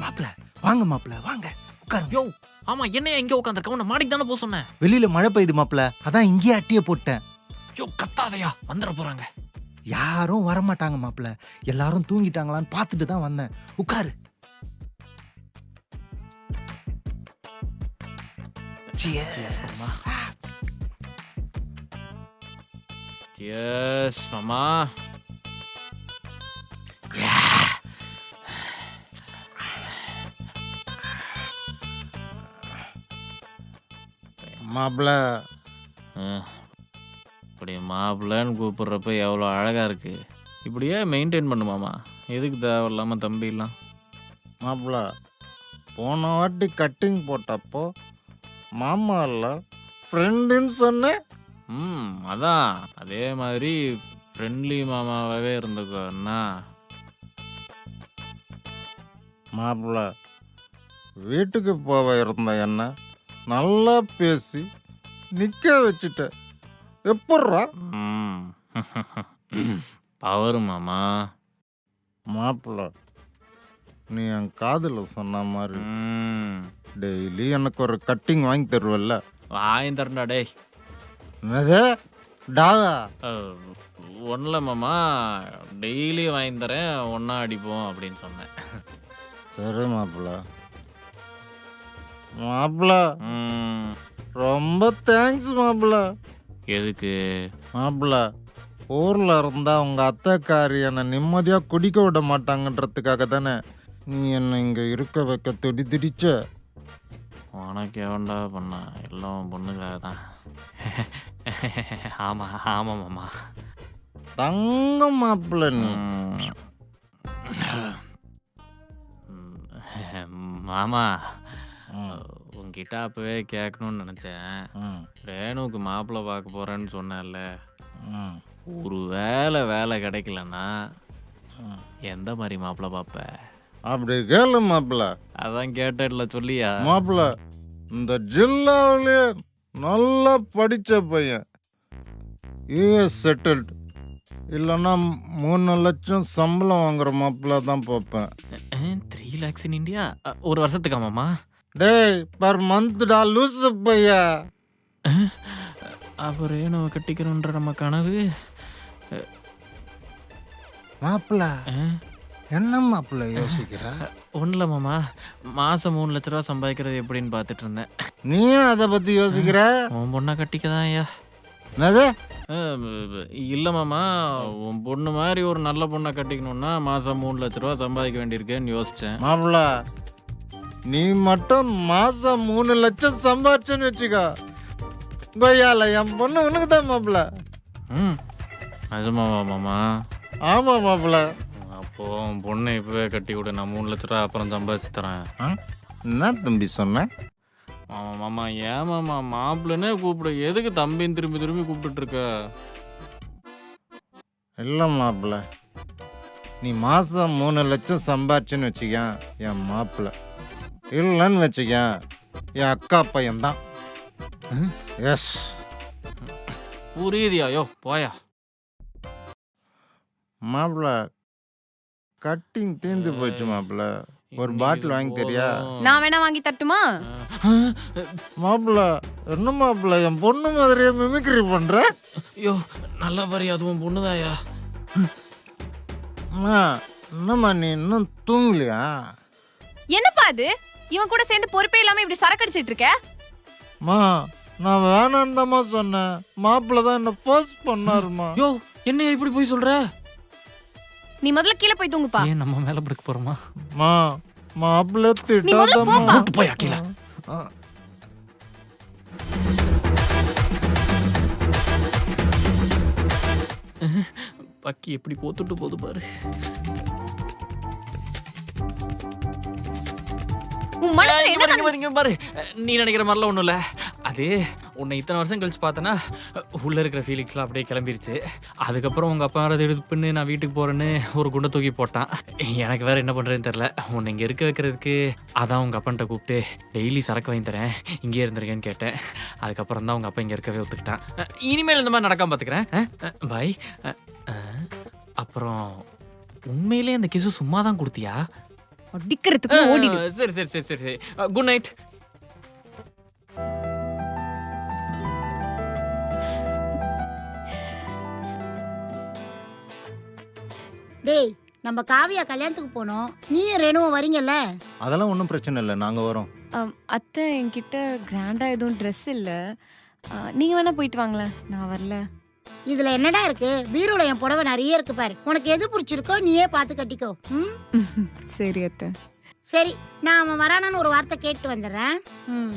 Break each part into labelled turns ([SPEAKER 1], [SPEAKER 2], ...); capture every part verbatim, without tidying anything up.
[SPEAKER 1] மாப்பிள வாங்க மாப்பிள வாங்க உட்காருங்க.
[SPEAKER 2] யோ ஆமா என்னையா இங்கே உட்காந்துருக்க உன்னை மாடிக்கு தானே போக சொன்னேன்.
[SPEAKER 1] வெளியில மழை பெய்யுது மாப்பிள, அதான் இங்கேயே அட்டிய போட்டேன்.
[SPEAKER 2] யோ கத்தாதையா வந்துட போறாங்க.
[SPEAKER 1] யாரும் வரமாட்டாங்க மாப்பிள, எல்லாரும் தூங்கிட்டாங்களான்னு பார்த்துட்டு தான் வந்தேன். உட்காரு. Cheers.
[SPEAKER 2] Cheers, மாமா.
[SPEAKER 3] மாப்பிள
[SPEAKER 2] இப்படி மாப்பிள்ளன்னு கூப்பிட்றப்ப எவ்வளோ அழகாக இருக்கு. இப்படியே மெயின்டைன் பண்ணுமாமா. எதுக்கு தேவையில்லாமல் தம்பிலாம்?
[SPEAKER 3] மாப்பிள போன வாட்டி கட்டிங் போட்டப்போ மாமா இல்லை ஃப்ரெண்டுன்னு சொன்னேன்.
[SPEAKER 2] ம் அதான் அதே மாதிரி ஃப்ரெண்ட்லி மாமாவாகவே இருந்துக்கோ அண்ணா.
[SPEAKER 3] மாப்பிள வீட்டுக்கு போக இருந்த என்ன நல்லா பேசி நிற்க வச்சுட்ட. எப்பட்றா?
[SPEAKER 2] ம் பவரு மாமா.
[SPEAKER 3] மாப்பிள நீ என் காதில் சொன்ன மாதிரி
[SPEAKER 2] ம்
[SPEAKER 3] டெய்லி எனக்கு ஒரு கட்டிங் வாங்கி தருவல்ல?
[SPEAKER 2] வாங்கி தரண்டா டேய்.
[SPEAKER 3] என்னது டாவா?
[SPEAKER 2] ஒன்றில் மாமா டெய்லி வாங்கி தரேன், ஒன்றா அடிப்போம் அப்படின்னு சொன்னேன்.
[SPEAKER 3] சரி மாப்பிள. மாப்பிள
[SPEAKER 2] ம்
[SPEAKER 3] ரொம்ப தேங்க்ஸ் மாப்பிள.
[SPEAKER 2] எதுக்கு?
[SPEAKER 3] மாப்பிள ஊரில் இருந்தால் உங்கள் அத்தைக்காரி என்னை நிம்மதியாக குடிக்க விட மாட்டாங்கன்றதுக்காக தானே நீ என்னை இங்கே இருக்க வைக்க திடி திடிச்ச.
[SPEAKER 2] உனக்கு எவன்டா பண்ணா? எல்லாம் பொண்ணுக்காக தான். ஆமாம் ஆமாம் மாமா.
[SPEAKER 3] தங்க மாப்பிள்ள நீ.
[SPEAKER 2] ம், மாமா உங்ககிட்ட அப்போவே கேட்கணும்னு நினச்சேன்.
[SPEAKER 3] ம்,
[SPEAKER 2] ரேணுவுக்கு மாப்பிள்ளை பார்க்க போகிறேன்னு சொன்னேன்ல,
[SPEAKER 3] ம்,
[SPEAKER 2] ஒரு வேலை வேலை கிடைக்கலன்னா
[SPEAKER 3] ம்.
[SPEAKER 2] எந்த மாதிரி மாப்பிள்ளை பார்ப்ப?
[SPEAKER 3] அப்படி கேளு மாப்பிள்ள.
[SPEAKER 2] அதான் கேட்டேன்ல சொல்லியா?
[SPEAKER 3] மாப்பிள்ள இந்த ஜில்லாவிலே நல்லா படித்த பையன், யூஎஸ் செட்டில்டு, இல்லைன்னா மூணு லட்சம் சம்பளம் வாங்குற மாப்பிள்ள தான் பார்ப்பேன்.
[SPEAKER 2] த்ரீ லேக்ஸ் இன் இந்தியா ஒரு வருஷத்துக்கா மாமா?
[SPEAKER 3] டேய் பர் மந்த்டா லூசு பையா.
[SPEAKER 2] அப்போ ரேணுவை கட்டிக்கணுன்ற நம்ம கனவு
[SPEAKER 1] மாப்பிள என்ன மாப்பிள யோசிக்கிற?
[SPEAKER 2] ஒன்றில் மாமா, மாதம் மூணு லட்ச ரூபா சம்பாதிக்கிறது எப்படின்னு பார்த்துட்டு இருந்தேன்.
[SPEAKER 3] நீயும் அதை பற்றி யோசிக்கிற?
[SPEAKER 2] உன் பொண்ணை கட்டிக்க தான் ஐயா.
[SPEAKER 3] என்னது?
[SPEAKER 2] இல்லை மாமா, உன் பொண்ணு மாதிரி ஒரு நல்ல பொண்ணை கட்டிக்கணுன்னா மாதம் மூணு லட்ச ரூபா சம்பாதிக்க வேண்டியிருக்கேன்னு யோசித்தேன்.
[SPEAKER 3] மாப்பிள்ள நீ மட்டும் மாசம் மூணு லட்சம் சம்பாதிச்சேன்னு வச்சுக்கோ, கொய்யால என் பொண்ணு உனக்கு தான் மாப்பிள்ள.
[SPEAKER 2] ம் நிஜமாவா மாமா?
[SPEAKER 3] ஆமா மாப்பிள்ள.
[SPEAKER 2] அப்போது உன் பொண்ணை இப்போவே கட்டி விடு, நான் மூணு லட்ச ரூபா அப்புறம் சம்பாதிச்சு தரேன்.
[SPEAKER 3] ஆ? என்ன தம்பி சொன்ன?
[SPEAKER 2] ஆமாம் மாமா. ஏன் மாமா மாப்பிள்ளனே கூப்பிடு, எதுக்கு தம்பின்னு திரும்பி திரும்பி கூப்பிட்டுருக்க?
[SPEAKER 3] இல்லை மாப்பிள்ள, நீ மாசம் மூணு லட்சம் சம்பாதிச்சேன்னு வச்சுக்க என் மாப்பிள்ள, இல்லைன்னு வச்சுக்க என் அக்கா பையன்தான். எஸ்
[SPEAKER 2] புரியுதியா? யோ போயா.
[SPEAKER 3] மாப்பிள்ள கட்டிங் தீர்ந்து போச்சு மாப்பிள்ள, ஒரு பாட்டில் வாங்கி தரியா?
[SPEAKER 4] நான் வேணா வாங்கி தட்டுமா?
[SPEAKER 3] மாப்பிள்ள என்ன மாப்பிள்ள என் பொண்ணு மாதிரியே மிமிக்ரி பண்ற?
[SPEAKER 2] ஐயோ நல்லா பாரு, அதுவும் பொண்ணுதாயா.
[SPEAKER 3] அம்மா என்னம்மா நீ இன்னும் தூங்கலையா?
[SPEAKER 4] என்னப்பா அது? இவன் கூட சேர்ந்து பொறுப்பே இல்லாம இப்படி சரக்கடிச்சிட்டு இருக்க?
[SPEAKER 3] மா நான் வேணான்னு தாம்மா சொன்னேன், மாப்பிள்ள தான் என்ன போஸ்ட் பண்ணாருமா.
[SPEAKER 2] யோ என்னையா இப்படி போய் சொல்ற?
[SPEAKER 4] நீ முதல்ல கீழே போய் தூங்குப்பா.
[SPEAKER 2] ஏன் நம்ம மேல படுக்க போறோமா?
[SPEAKER 3] மா மாப்பிள்ள
[SPEAKER 4] நீ முதல்ல
[SPEAKER 3] திட்டாதம்மா.
[SPEAKER 4] போப்பா.
[SPEAKER 2] கூட்டு போயா கீழே. பக்கி எப்படி கோத்துட்டு போகுது பாரு.
[SPEAKER 4] உன் மனசுல
[SPEAKER 2] இங்க
[SPEAKER 4] என்ன
[SPEAKER 2] பாரு, இங்க பாரு, இங்க பாரு. நீ நினைக்கிற மாதிரிலாம் ஒன்றும் இல்லை. அது உன்னை இத்தனை வருஷம் கழிச்சு பார்த்தேன்னா உள்ளே இருக்கிற ஃபீலிங்ஸ்லாம் அப்படியே கிளம்பிருச்சு. அதுக்கப்புறம் உங்கள் அப்பா வேறு இது பண்ணு நான் வீட்டுக்கு போகிறேன்னு ஒரு குண்டை தூக்கி போட்டான். எனக்கு வேறு என்ன பண்ணுறதுன்னு தெரில. உன்னை இங்கே இருக்க வைக்கிறதுக்கு அதான் உங்கள் அப்பன்ட்ட கூப்பிட்டு டெய்லி சரக்கு வாங்கி தரேன், இங்கேயே இருந்திருக்கேன்னு கேட்டேன். அதுக்கப்புறம் தான் உங்கள் அப்பா இங்கே இருக்கவே ஒத்துக்கிட்டான். இனிமேல் இந்த மாதிரி நடக்காம பார்த்துக்கிறேன். பாய். அப்புறம் உண்மையிலே அந்த கிசு சும்மா தான் கொடுத்தியா?
[SPEAKER 4] அடிக்கிறதுக்கு ஓடிடு.
[SPEAKER 2] சரி சரி சரி சரி குட் நைட்.
[SPEAKER 5] டேய் நம்ம காவியா கல்யாணத்துக்கு போனோம், நீயும் ரேணுவும் வரீங்கல்ல?
[SPEAKER 3] அதெல்லாம் ஒன்றும் பிரச்சனை இல்லை, நாங்கள் வரோம்.
[SPEAKER 6] அம், அத்தை என்கிட்ட கிராண்டா எதுவும் ட்ரெஸ் இல்ல. ஆ, நீங்க வேணா போயிட்டு வாங்களேன், நான் வரல.
[SPEAKER 5] இதுல என்னடா இருக்கு? பீரோல என் புடவை நிறைய இருக்கு பாரு. உனக்கு எது பிடிச்சிருக்கோ நீயே பார்த்து கட்டிக்கோ. ம்
[SPEAKER 6] சரி அத்தை.
[SPEAKER 5] சரி, நான் அவன் வரானான்னு ஒரு வார்த்தை கேட்டு வந்துடுறேன். ம்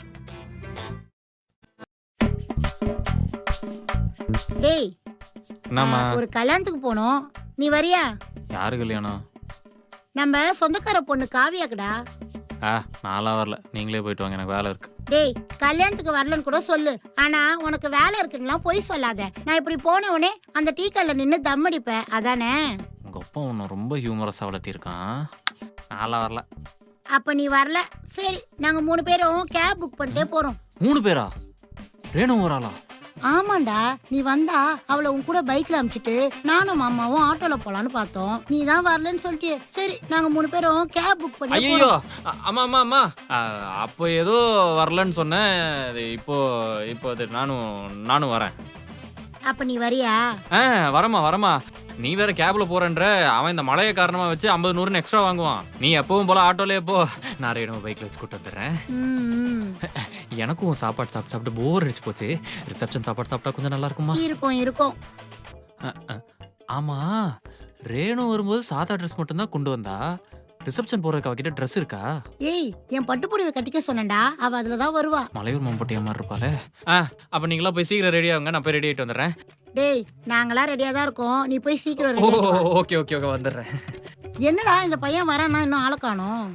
[SPEAKER 5] டேய்
[SPEAKER 2] என்னம்மா?
[SPEAKER 5] ஆ, ஒரு கல்யாணத்துக்கு போனோம், நீ வரியா?
[SPEAKER 2] யாரு கல்யாணம்?
[SPEAKER 5] நம்ம சொந்தக்கார பொண்ணு காவியாக்குடா.
[SPEAKER 2] ஆ நான்லாம் வரல, நீங்களே போயிட்டு வாங்க, எனக்கு வேலை இருக்கு.
[SPEAKER 5] டேய் கல்யாணத்துக்கு வரலன்னு கூட சொல்லு, ஆனா உனக்கு வேலை இருக்குன்னுலாம் போய் சொல்லாத. நான் இப்படி போன உடனே அந்த டீ கல்ல நின்று தம் அடிப்பேன், அதானே?
[SPEAKER 2] உங்க அப்பா உன்னை ரொம்ப ஹியூமரஸாக வளர்த்திருக்கான். நான்லாம் வரல.
[SPEAKER 5] அப்ப நீ வரல, சரி நாங்க மூணு பேரும் கேப் புக் பண்ணிட்டே போறோம்.
[SPEAKER 2] மூணு பேரா? ரேணு ஒரு ஆளா?
[SPEAKER 5] ஆமாண்டா, நீ வந்தா அவளை உன் கூட பைக்ல அனுப்பிச்சிட்டு நானும் மாமாவும் ஆட்டோல போலான்னு பார்த்தோம். நீ தான் வரலன்னு சொல்லிட்டியே, சரி நாங்க மூணு பேரும் கேப் புக் பண்ணி
[SPEAKER 2] ஐயோ
[SPEAKER 5] போறோம்.
[SPEAKER 2] அம்மா அம்மா அம்மா ஆ, அப்போ ஏதோ வரலன்னு சொன்னேன். இது இப்போ இப்போ அது நானும் நானும் வரேன்.
[SPEAKER 5] அப்ப நீ வரியா?
[SPEAKER 2] ஆ வரமா வரமா. நீ வேற கேப்ல போறேன்ற, அவன் இந்த மழையை காரணமா வச்சு ஐம்பது நூறுன்னு எக்ஸ்ட்ரா வாங்குவான். நீ எப்பவும் போல ஆட்டோலயே போ, நான் ரேணு பைக்ல வச்சு கூட்டு வந்துடுறேன்.
[SPEAKER 5] ம், ம்.
[SPEAKER 2] எனக்கும் சாப்பாடு சாப்பிட்டு சாப்பிட்டு போர் அடிச்சு போச்சு. ரிசப்ஷன் சாப்பாடு சாப்பிட்டா கொஞ்சம் நல்லா இருக்குமா?
[SPEAKER 5] இருக்கும் இருக்கும்.
[SPEAKER 2] அ, அ. ஆமா, ரேணு வரும்போது சாதா ட்ரெஸ் மட்டும் தான் கொண்டு வந்தா. ரிசப்ஷன் போறதுக்கு அவகிட்ட ட்ரெஸ் இருக்கா?
[SPEAKER 5] ஏய் என் பட்டு புடவை கட்டிக்க சொன்னேன்டா, அவ அதுலதான் வருவா.
[SPEAKER 2] மலையூர் மம்பட்டியா மாதிரி இருப்பாளே. ஆ அப்ப நீங்களா போய் சீக்கிரம் ரெடி ஆகுங்க, நான் போய் ரெடி ஆயிட்டு வந்துடுறேன்.
[SPEAKER 5] டேய் நாங்களாம் ரெடியா தான் இருக்கோம், நீ போய் சீக்கிரம்
[SPEAKER 2] ஓ
[SPEAKER 5] ready ஆயிட்டு வா.
[SPEAKER 2] ஓகே ஓகே ஓகே வந்துடுறேன்.
[SPEAKER 5] என்னடா இந்த பையன் வரானா, இன்னும் ஆளை காணோம்.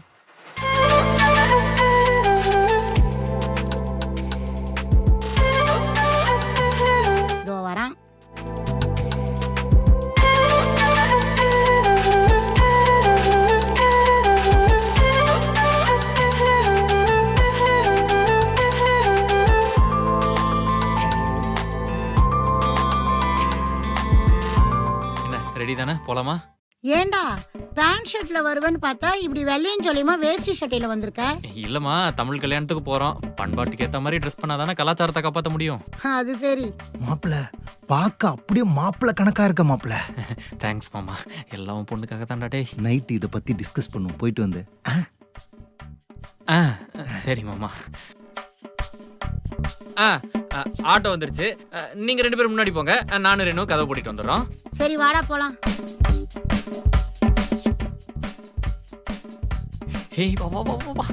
[SPEAKER 5] இதோ வரான்.
[SPEAKER 2] என்ன ரெடி தானே, போலாமா?
[SPEAKER 5] ஏண்டா பேண்ட் ஷர்ட்ல வருவேன்னு பார்த்தா இப்படி வெள்ளையும் சொல்லியுமா வேஷ்டி ஷர்ட்டில வந்திருக்க?
[SPEAKER 2] இல்லம்மா, தமிழ் கல்யாணத்துக்கு போறோம். பண்பாட்டுக்கு ஏத்த மாதிரி ட்ரெஸ் பண்ணாதானே கலாச்சாரத்தை காப்பாற்ற முடியும்.
[SPEAKER 5] அது சரி.
[SPEAKER 1] மாப்பிள பார்க்க அப்படியே மாப்பிள கணக்கா இருக்க மாப்பிள.
[SPEAKER 2] தேங்க்ஸ் மாமா, எல்லாம் பொண்ணுக்காக தான்டா. டே
[SPEAKER 1] நைட்டு இதை பத்தி டிஸ்கஸ் பண்ணுவோம், போயிட்டு வந்து.
[SPEAKER 2] ஆ சரி மாமா. ஆ ஆ, ஆட்டோ வந்துருச்சு. ஆ, நீங்க ரெண்டு பேரும் முன்னாடி போங்க, ஆ, நானும் ரெண்டும் கதவை போட்டிட்டு வந்துடுறோம்.
[SPEAKER 5] சரி வாடா போலாம்.
[SPEAKER 2] ஹேய் வா வா வா வா, வா.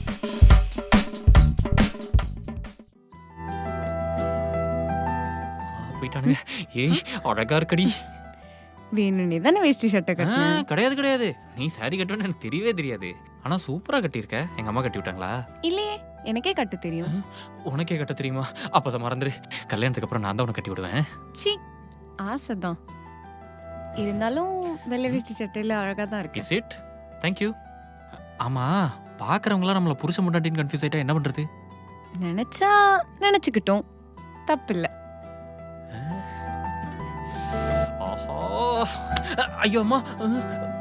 [SPEAKER 2] ஆ, போயிட்டானுங்க. ஏய் அழகா இருக்கடி.
[SPEAKER 6] வேணும்னே தானே வேஷ்டி ஷர்ட்டை
[SPEAKER 2] ஆ,
[SPEAKER 6] கட்டினேன்.
[SPEAKER 2] கிடையாது கிடையாது, நீ சாரி கட்டுவேன்னு எனக்கு தெரியவே தெரியாது. ஆனா சூப்பரா கட்டியிருக்க. எங்க அம்மா கட்டி விட்டாங்களா?
[SPEAKER 6] இல்லையே, எனக்கே கட்ட தெரியும்.
[SPEAKER 2] உனக்கே கட்ட தெரியுமா? அப்பதான் மறந்துரு, கல்யாணத்துக்கு அப்புறம் நான் தான் உனக்கு கட்டி விடுவேன்.
[SPEAKER 6] சி, ஆசைதான். இருந்தாலும் வெள்ளை வேஷ்டி சட்டையில அழகா தான் இருக்கு.
[SPEAKER 2] Is it? தேங்க்யூ. ஆமா, பாக்குறவங்களாம் நம்மள புருஷ முன்னாடின்னு கன்ஃபியூஸ் ஆயிட்டா என்ன பண்றது?
[SPEAKER 6] நினைச்சா நினைச்சுக்கிட்டோம், தப்பில்ல.
[SPEAKER 2] ஆஹா, ஐயோ அம்மா.